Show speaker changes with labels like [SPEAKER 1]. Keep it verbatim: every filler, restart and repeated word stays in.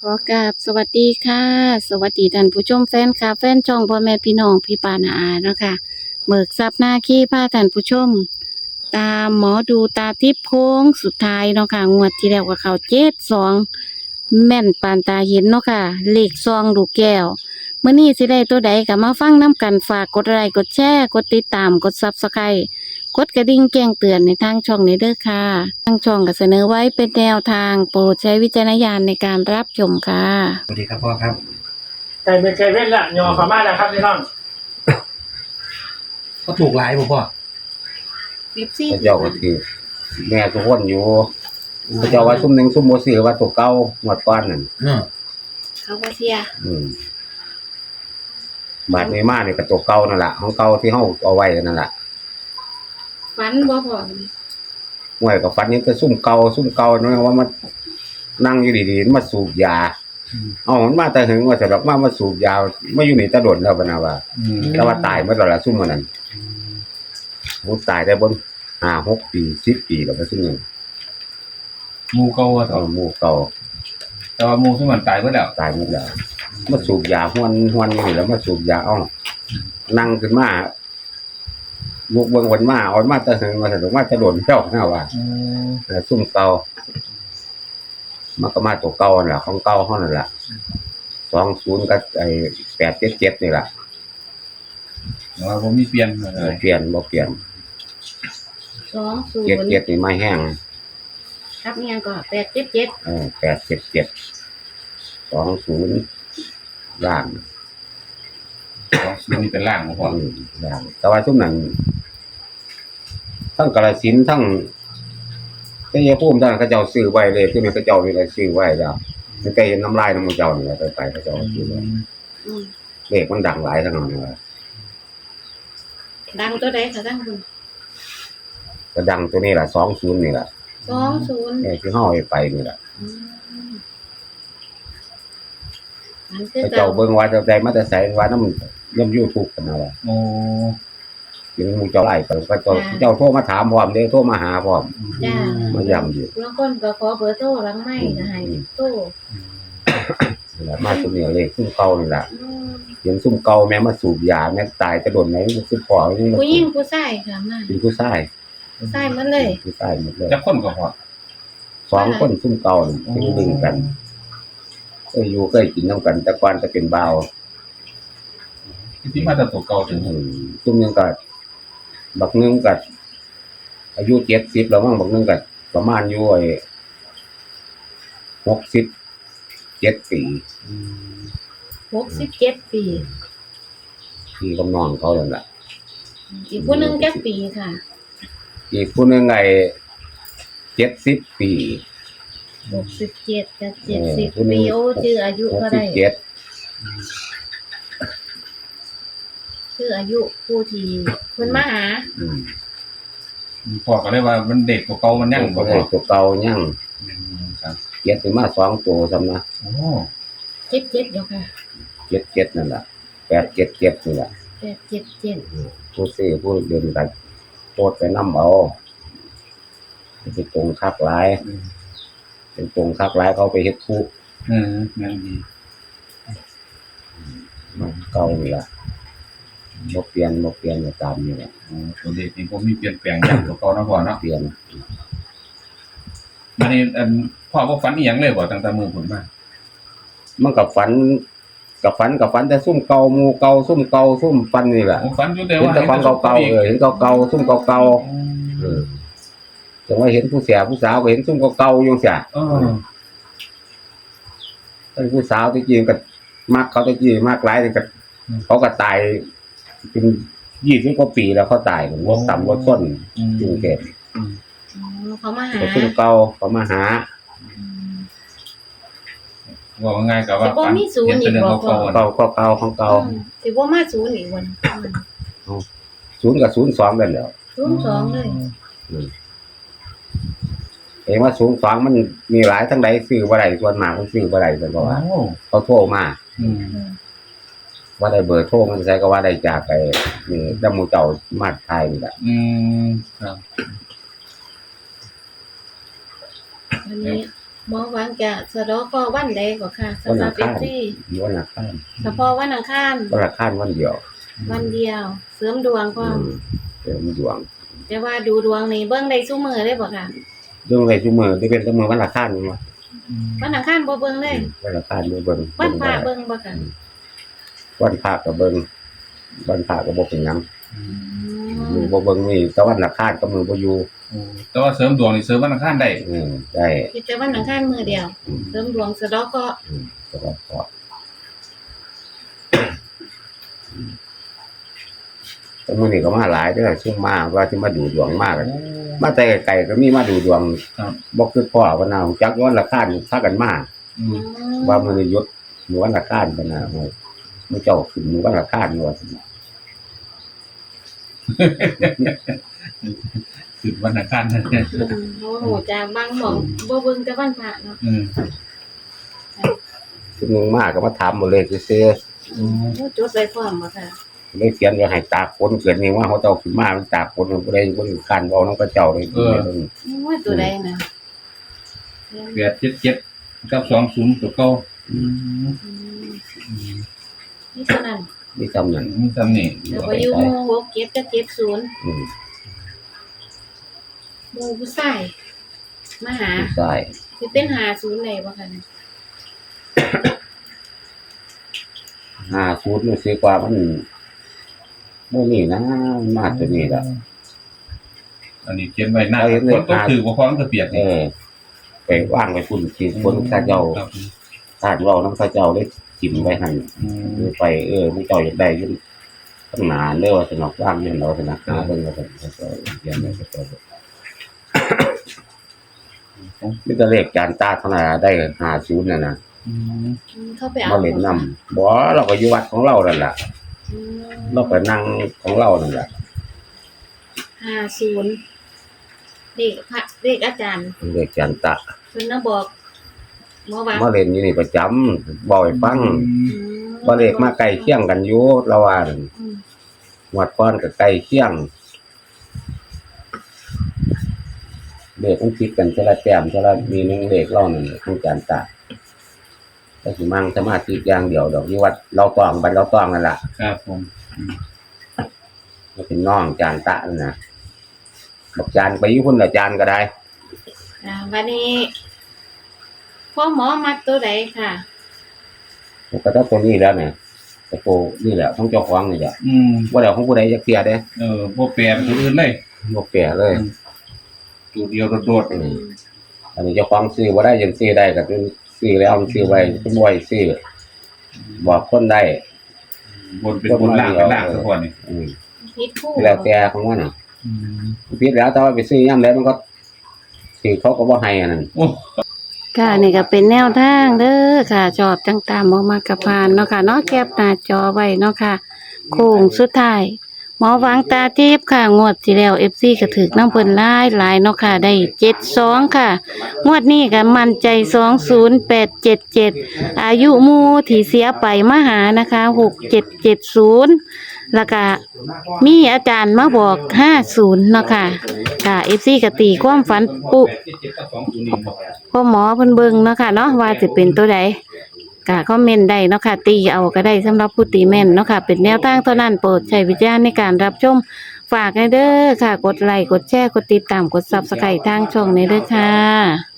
[SPEAKER 1] ขอกราบสวัสดีค่ะ สวัสดีท่านผู้ชมแฟนคลับแฟนช่องพ่อแม่พี่น้องพี่ปานาอาเนาะค่ะเบิกทรัพย์หน้าขี้พาท่านผู้ชม ตามหมอดูตาทิพย์โค้งสุดท้ายเนาะค่ะงวดที่แล้วก็เข้าเจ็ดสองแม่นปานตาเห็นเนาะค่ะเลขซองลูกแก้วเมื่อนี้สิได้ตัวใดก็มาฟังน้ำกันฝากกดไลค์กดแชร์กดติดตามกดซับสไครต์กดกระดิ่งแจ้งเตือนในทางช่องนี้เด้อค่ะทางช่องก็เสนอไว้เป็นแนวทางโปรดใช้วิจารณญาณในการรับชมค่ะ
[SPEAKER 2] สวัสดีครับพ่อครับ
[SPEAKER 3] ไก่เป็นไก่เว้นละยอขม่าแล้วครับพี่น้อง
[SPEAKER 2] ก็ถูกหลายบ่พ่อ
[SPEAKER 1] สิบสี่
[SPEAKER 4] พระเจ้าก็คือแม่ทุกคนอยู่พระเจ้าว่าซุ่มหนึ่งซุ่มโมซื้อว่าตัวเก่าหมดก้อนนั่น
[SPEAKER 2] เออ
[SPEAKER 1] เขาก็เสีย
[SPEAKER 4] อืมบาดนี้มาเนี่ยก็ตัวเก่านั่นแหละของเก่าที่เฮาเอาไว้นั่นแหละ
[SPEAKER 1] ฝันบ่พอ
[SPEAKER 4] ห่วยกับฟันนี้ก็ซุ่มเก่าซุ่มเก่าเนาะว่ามันนั่งอยู่ดีๆมันมาสูบยาเอามันมาแต่หึงว่าแต่ดอกมามาสูบยาไม่อยู่นี่ตะโดนแล้วปะนะว่า
[SPEAKER 2] อืม
[SPEAKER 4] แต่ว่าตายเมื่อตอนละซุ่มมันนั้นผู้ตายได้บนห้าหกปีสิบปีแล้วก็ซุ่มนึง
[SPEAKER 2] หมูเก่าอะต่อ
[SPEAKER 4] เอาหมู่เก่า
[SPEAKER 2] แต่ว่าหมูที่มันตายไปแล้ว
[SPEAKER 4] ตายหมดแล้วมาสูบยาห้วนห้วนอยู่นี่แล้วมาสูบยาเอ้านั่งขึ้นมาลูกเบิ่งวันมาเอามาแตะหึงมาแต่ว่าจะโดนเจ้าหน้าว่า
[SPEAKER 2] อืม
[SPEAKER 4] แต่ซุ่มเก่ามันก็มาตัวเก่านั่นล่ะของเก่าเฮานั่นล่ะสองศูนย์กับไอ้แปดเจ็ดเจ็ดนี่ล่ะ
[SPEAKER 2] แต่ว่าผมมีเปลี่ยนเล
[SPEAKER 4] เออย เปลี่ยนบ่เปลี่ยน
[SPEAKER 1] สองศูน
[SPEAKER 4] เจ็ด
[SPEAKER 1] ย์
[SPEAKER 4] เจ็ดนี่ไม่แห้ง
[SPEAKER 1] ครับเนี่ยก็แปดเจ็ดเจ็ด
[SPEAKER 4] เออแปดเจ็ดเจ็ดสองศูนย์ล่าง
[SPEAKER 2] สองศูนย์นี่เป็นล่างบ่พ่อ
[SPEAKER 4] อืมล่างแต่ว่าซุ่มนั้นทั้งกาฬสินธุ์ทั้งแต่ยาภูมิท่านเขาเจ้าซื้อไว้เลยที่มันเขาเจ้านี่เลยซื้อไว้แล้วมันก็เห็นน้ำลายน้ำมันเจ้านี่แหละไปไปเขาเจ้าซื้อไว้
[SPEAKER 1] อืม
[SPEAKER 4] เลขมันดังหลายทั้งนั้นเลย
[SPEAKER 1] ดังตัวใดคะท่านคุณ
[SPEAKER 4] ก็ดังตัวนี้ล่ะสองศูนย์นี่ล่ะ
[SPEAKER 1] สองศูนย์
[SPEAKER 4] ไอ้ที่เฮาเอาไปนี่ล่ะ
[SPEAKER 1] อืมอันคือ
[SPEAKER 4] เขา
[SPEAKER 1] เก่า
[SPEAKER 4] เจ้าเบิ่งว่าจะได้มาแต่ไสว่าน้ำย่ำ YouTube กันน่ะว่า
[SPEAKER 2] โอ้
[SPEAKER 4] ถึงหมู่เจ้าไล่ไปก็เจ้าเจ้าโทรมาถามพร้อมเด้โทรมาหาพร้อม
[SPEAKER 1] จ้า
[SPEAKER 4] มาย้ำอยู่
[SPEAKER 1] บางคนก็ขอเบอร์โทรหลังไม่ก็ให้โทร
[SPEAKER 4] นี่ล่ะมาซุมนี้เลขซุ่มเก่านี่ล่ะ
[SPEAKER 1] อืม
[SPEAKER 4] เห็นซุ่มเก่าแม่มาสูบยาแม่ตายจะโดนไหนมันคือพ่อนี่มัน
[SPEAKER 1] ผู้หญิงผู้ชายค่ะมา
[SPEAKER 4] เป็นผู้ชาย
[SPEAKER 1] ผู้ชายหมดเลย
[SPEAKER 4] ผู้ชายหมดเลย
[SPEAKER 2] จะคนก็พ่อ
[SPEAKER 4] สองคนซุ่มเก่านี่ที่ดึงกันเคยอยู่เคยกินนํกันแต่ก่อนจะเป็นบ่าว
[SPEAKER 2] ที่มาแต่ตัวเก่าถึง
[SPEAKER 4] อืมซุ่มหนึงก็บักหนึงก็อายุเจ็ดสิบแล้วมั้งบักหนึงก็ประมาณอยู่ไอ้หกสิบเจ็ดปี
[SPEAKER 1] หกสิบเจ็ดปี
[SPEAKER 4] ที่กำนองเขานั่นแหละ
[SPEAKER 1] อีกผู้หนึงจักปีค่ะ
[SPEAKER 4] อีกผู้หนึงไอ้เจ็ดสิบปี
[SPEAKER 1] หกสิบเจ็ดกับเจ็ด
[SPEAKER 4] เออ
[SPEAKER 1] สิบ
[SPEAKER 4] ผู้หนึ่
[SPEAKER 1] ปี
[SPEAKER 4] ง
[SPEAKER 1] โอ้ชื่ออายุ
[SPEAKER 4] หก
[SPEAKER 1] ก็
[SPEAKER 4] สิบ
[SPEAKER 1] ได้
[SPEAKER 4] เจ็ด
[SPEAKER 1] ชื่ออายุผู้ที่คนมาหา
[SPEAKER 4] อืม
[SPEAKER 2] พ่อก็เลยว่ามันเด็กตัวเก่ามันยังบ่
[SPEAKER 4] ก็
[SPEAKER 2] พ่
[SPEAKER 4] ได้
[SPEAKER 2] อ
[SPEAKER 4] ตัวเก่ายัง
[SPEAKER 2] อืมครับ
[SPEAKER 4] เจ็ดถึงมาสองตัวซ้ำนะ
[SPEAKER 2] โอ้
[SPEAKER 1] เจ็ดเจ็ดเดี๋ยวค่ะ
[SPEAKER 4] เจ็ดเจ็ดนั่นแหละแปดเจ็ดเจ็ดนี่แหละ
[SPEAKER 1] แปดเจ็ดเจ็ด
[SPEAKER 4] ผู้ซื้อผู้เดินกันโคตรไปน้ำเอาเป็นตรงคักหลายเป็นตรงคักหลายเขาไปเฮ็ดทุก
[SPEAKER 2] เออแม่นดี
[SPEAKER 4] เก่านี่แหละบ่เปลี่ยนบ่เปลี่ยนตามนี่แหละ
[SPEAKER 2] โอ้ตัวเด็กนี่ผมมีเปลี่ยนแปลงอย่างตัวเก่านะพ่อเนาะ
[SPEAKER 4] เปลี่ยน
[SPEAKER 2] มันนี่อันพ่อบ่ฝันอีหยังเลยบ่ตั้งแต่มื้อผมมา
[SPEAKER 4] มันกับฝันกับฝันกับฝันแต่ซุ่มเก่าหมู่เก่าซุ่มเก่าซุ่มฟันนี่แหละ
[SPEAKER 2] โอ้ฝันอยู่แต่
[SPEAKER 4] เห็น
[SPEAKER 2] ว่า
[SPEAKER 4] แต่ของเก่าๆเออเห็นเก่าๆซุ่มเก่าๆเออจังว่าเห็นผู้เสียผู้สาวก็เห็นซุ่มเก่าๆอยู่เสีย
[SPEAKER 2] เออ
[SPEAKER 4] ไอ้ผู้สาวที่จริงก็มักเขาที่จริงมากหลายนี่ก็เขาก็ตายเป็นยี่สิบกว่าปีแล้วเขาตายรถต่ำรถส้น
[SPEAKER 2] อืม
[SPEAKER 4] กรุงเทพ
[SPEAKER 2] อืม
[SPEAKER 1] อ๋อเขามาหา
[SPEAKER 4] ก็ซุ่มเก่าเขามาหา
[SPEAKER 2] ว่าง่ายก็ว่า
[SPEAKER 1] แต่บ่มีศูนย์
[SPEAKER 2] เห็นเป็นเรื่อง
[SPEAKER 1] อีกบ่
[SPEAKER 2] เก่าๆอะ
[SPEAKER 4] เก่าเก่าเก่าของเก่า
[SPEAKER 1] อืมสิบ่มาศูนย์อีกวัน
[SPEAKER 4] ศูนย์กับศูนย์สองกันแล้ว
[SPEAKER 1] ศูนย์สองเลย
[SPEAKER 4] เห็นว่าศูนย์สองมันมีหลายทั้งใดซื้อบ่ได้ส่วนมากมันซื้อบ่ได้แต่
[SPEAKER 2] โอ้
[SPEAKER 4] ว่าเขาโทรมา
[SPEAKER 2] อืม
[SPEAKER 1] อืม
[SPEAKER 4] ว่าได้เบอร์โทรมันใช้ก็ว่าได้จากไอ้นี่ดำหมูเจ้ามาไทยนี่แหละ
[SPEAKER 2] อืมครับ
[SPEAKER 1] วันนี้หมอหวังจะสะเดาะก็วันใดก็ค่ะ
[SPEAKER 4] วัน
[SPEAKER 1] สำหรั
[SPEAKER 4] อั
[SPEAKER 1] บ
[SPEAKER 4] ง
[SPEAKER 1] เอ
[SPEAKER 4] คาร
[SPEAKER 1] ฟซี
[SPEAKER 4] วันอังคาร
[SPEAKER 1] เฉพาะวันอังคาร
[SPEAKER 4] วันอังคารวันเดียว
[SPEAKER 1] วันเดียว เสริมดวงก็
[SPEAKER 4] อืมเดี๋ยวมีดวง
[SPEAKER 1] แต่ว่าดูดวงนี่เบิ่งได้ซุมื้อเลยบ่ค่ะ
[SPEAKER 4] เรื่องอะไรชั่วโมงที่เป็นชั่วโมงวันอังคารนี่ว่า
[SPEAKER 1] วันอังคารบ่เบิ่งเลย
[SPEAKER 4] วันอังคารนี่เบิ่ง
[SPEAKER 1] วันพระ
[SPEAKER 4] เบิ่
[SPEAKER 1] เบิ่งบ่ค่ะ
[SPEAKER 4] วันพระก็เบิ่งวันพระก็บ่เป็นหยัง
[SPEAKER 1] อืม
[SPEAKER 4] มือบ่เบิ่งนี่แต่วันอังคารก็มือบ่อยู่
[SPEAKER 2] โอ้แต่ว่าเสริมดวงนี่เสริมวันอังคารได้
[SPEAKER 4] อืมได้
[SPEAKER 1] คิดแต่วันอังคารมื้อเดียว
[SPEAKER 4] อืม
[SPEAKER 1] เสริมดวงสะเดาะก็
[SPEAKER 4] อืมแต่ว่าพอแต่มื้อนี้ก็มาหลายเด้อซุ่มมาว่าสิมาดูดวงมาก มาแต่ไกลๆก็มีมาดูดวง
[SPEAKER 2] ครับ
[SPEAKER 4] บ่คือพ่อว่านาจักย้อนราคาพากันมา
[SPEAKER 2] อื
[SPEAKER 1] อื
[SPEAKER 2] ม
[SPEAKER 1] ม
[SPEAKER 4] ว่ามื้อนี้ยศหมู่วันราคาปะนะมื้อมื้อเจ้าขึ้นหมู่วันราคาว่าซั่นน่ะ
[SPEAKER 2] คือวันอังคารนั่น
[SPEAKER 1] อืมโอ้โหจากบางหม่องบ่เบิ่งแต่วันพระเนาะ
[SPEAKER 2] อืม
[SPEAKER 4] ซุนึงมาก็มาถามบ่เลขซื่อ
[SPEAKER 2] อืม
[SPEAKER 1] โอ้จดไว้พร้อมบ่ค่ะ
[SPEAKER 4] ๆเลยเขียนไว้ให้ตากฝนเกิดนี่ว่าเขาเจ้าขึ้นมามันตากฝนมันบ่ได้คนคันเว้านำเขาเจ้าเลย
[SPEAKER 1] โอ้ยตัวใดน่ะ
[SPEAKER 2] แปดเจ็ดเจ็ดกับสองศูนย์ตัวเก่าอืม
[SPEAKER 1] อืม
[SPEAKER 2] อืม
[SPEAKER 1] นี่เท่านั้น
[SPEAKER 4] มีซ้ำนั้น
[SPEAKER 2] มีซ้ำนี่
[SPEAKER 1] เดี๋ยวไปอยู่หมู่หกเจ็ดกับเจ็ดศูนย์
[SPEAKER 4] อืม
[SPEAKER 1] หมู่ผู้ชายมาหา
[SPEAKER 4] ผู้ชาย
[SPEAKER 1] สิเป็นหาศูนย์ได้บ่ค่ะเนี่ย
[SPEAKER 4] ห้าศูนย์มันสิกว่ามันบ่นี่นะมันมาตัวนี้ล่ะ
[SPEAKER 2] อันนี้เขียนไว้หน้า
[SPEAKER 4] เอาเห็นเล
[SPEAKER 2] ค
[SPEAKER 4] ย
[SPEAKER 2] นต้องถือว่าความกระเปียก
[SPEAKER 4] เออไปวางไว้พุ่นที่คนเขาเจ้า
[SPEAKER 2] ครับ
[SPEAKER 4] ทานเว้านำเขาเจ้าเลยจิ้มไว้ให้
[SPEAKER 2] อืม
[SPEAKER 4] คือไปเออมันเจ้าอยากได้อยืนตั้งนานเลยว่าสนอกว่างเนี่ยเราสนักหาเบิ่งว่าจะจะเรียนอะไรก็จะมีแต่เลขจานตาเท่านั้นได้ห้าศูนย์น่ะนะ
[SPEAKER 2] อืม
[SPEAKER 1] อืมเข้าไปเอา
[SPEAKER 4] มาเล่นนำบ่เราก็อยู่วัดของเรานั่นล่ะ
[SPEAKER 1] อืม
[SPEAKER 4] เราก็นั่งของเรานั่นล่ะ
[SPEAKER 1] ห้าศูนย์เลขพระเลขอาจารย์
[SPEAKER 4] เลขจานตา
[SPEAKER 1] เพิ่นน่ะบอกหมอว่า
[SPEAKER 4] มาเล่นอยู่นี่ประจำบ่ให้ฟัง
[SPEAKER 1] อืม
[SPEAKER 4] บ่เลขมาใกล้เคียงกันอยู่เราว่านั่น
[SPEAKER 1] อืม
[SPEAKER 4] วัดก่อนก็ใกล้เคียงเลขมันคิดกันแต่ละแต้มแต่ละมีหนึงเลขเรานั่นของจานตาแต่สิมั่งสมาธิอย่างเดียวดอกอยู่วัดเราต้องบัดเราต้องนั่นล่ะ
[SPEAKER 2] ครับผม
[SPEAKER 4] มันเป็นน้องจานตะนั่นนะบอกจานไปอยู่พุ่นละจานก็ได้
[SPEAKER 1] อ่าวันนี้พ่อหมอมัดตัวใดค่ะ
[SPEAKER 4] ผมก็ต้องตัวนี้แล้วเนี่ยแต่โปนี่แหละของเจ้าของนี่แหละ
[SPEAKER 2] อืม
[SPEAKER 4] ว่าเดี๋ยวของผู้ใดจะเคลียร์เด้
[SPEAKER 2] เออบ่แปลเป็นตัวอื่นเลย
[SPEAKER 4] บ่แก่เลย
[SPEAKER 2] ตัวเดียวโดด
[SPEAKER 4] อืมอันนี้เจ้าของซื้อบ่ได้ยังซื้อได้ก็คือซื้อแล้วมันซื้อไว้เป็นบ่อยซื้อบอกคนได้
[SPEAKER 2] ๆบนเป็นบนล่างเป็นล่างทุกคนนี่
[SPEAKER 4] อืม
[SPEAKER 1] พิษคู่
[SPEAKER 4] แล้วแต่ของมันน่ะ
[SPEAKER 2] อืม
[SPEAKER 4] ผิดแล้วแต่ว่าไปซื้อยามใดมันก็ซื้อเขาก็บ่ให้อันนั้น
[SPEAKER 2] โอ้
[SPEAKER 1] ค่ะนี่ก็เป็นแนวทางเด้อค่ะชอบจังตามบ่มากระพานเนาะค่ะเนาะแคปหน้าจอไว้เนาะค่ะโค้งสุดท้ายหมอหวังตาทิพย์ค่ะงวดที่แล้ว เอฟ ซี ก็ถึกน้ำเพิ่นหลายหลายเนาะค่ะได้เจ็ดสองค่ะงวดนี้ก็มั่นใจสองศูนย์แปดเจ็ดเจ็ดอายุหมู่ที่เสียไปมาหานะคะหกเจ็ดเจ็ดศูนย์แล้วก็มีอาจารย์มาบอกห้าศูนย์เนาะค่ะค่ะ เอฟ ซี ก็ตีความฝันปุ พ่อหมอเพิ่นเบิ่งเนาะค่ะเนาะว่าสิเป็นตัวใดก็คอมเมนต์ได้เนาะค่ะตีเอาก็ได้สำหรับผู้ตีแม่นเนาะค่ะเป็นแนวทางเท่านั้นโปรดใช้วิจารณ์ในการรับชมฝากให้เด้อค่ะ กดไลค์กดแชร์กดติดตามกด Subscribe ทางช่องนี้เด้อค่ะ